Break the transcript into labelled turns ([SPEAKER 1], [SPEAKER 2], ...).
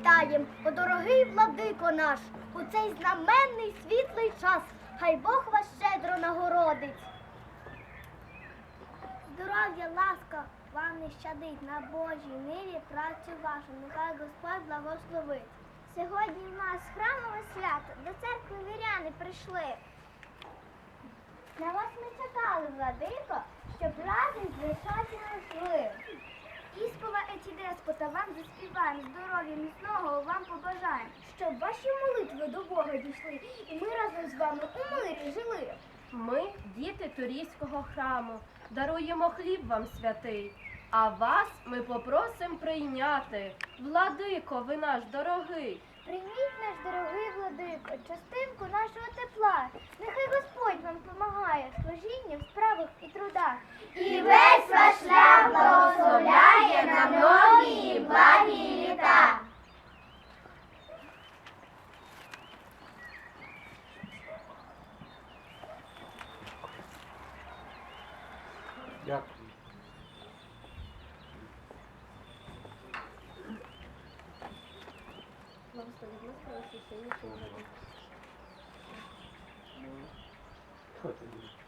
[SPEAKER 1] вітаєм, о дорогий владико наш, у цей знаменний світлий час. Хай Бог вас щедро нагородить. Здоров'я, ласка вам не щадить, на Божій ниві працю вашу, нехай Господь благословить. Сьогодні в нас храмове свято, до церкви віряни прийшли. На вас ми чекали, владико, щоб разом звичайно йшли. Іспова еті деспота вам заспіваємо, здоров'я міцного вам побажаємо, щоб ваші молитви до Бога дійшли, і ми разом з вами у мирі жили.
[SPEAKER 2] Ми, діти Турійського храму, даруємо хліб вам святий, а вас ми попросим прийняти. Владико, ви наш дорогий.
[SPEAKER 1] Прийміть, наш дорогий владико, частинку нашого тепла. Нехай Господь вам помагає в служінні, в справах і трудах.
[SPEAKER 3] І весь ваш шлях благословляє на многі благі літа.
[SPEAKER 4] Дякую. Що тобі?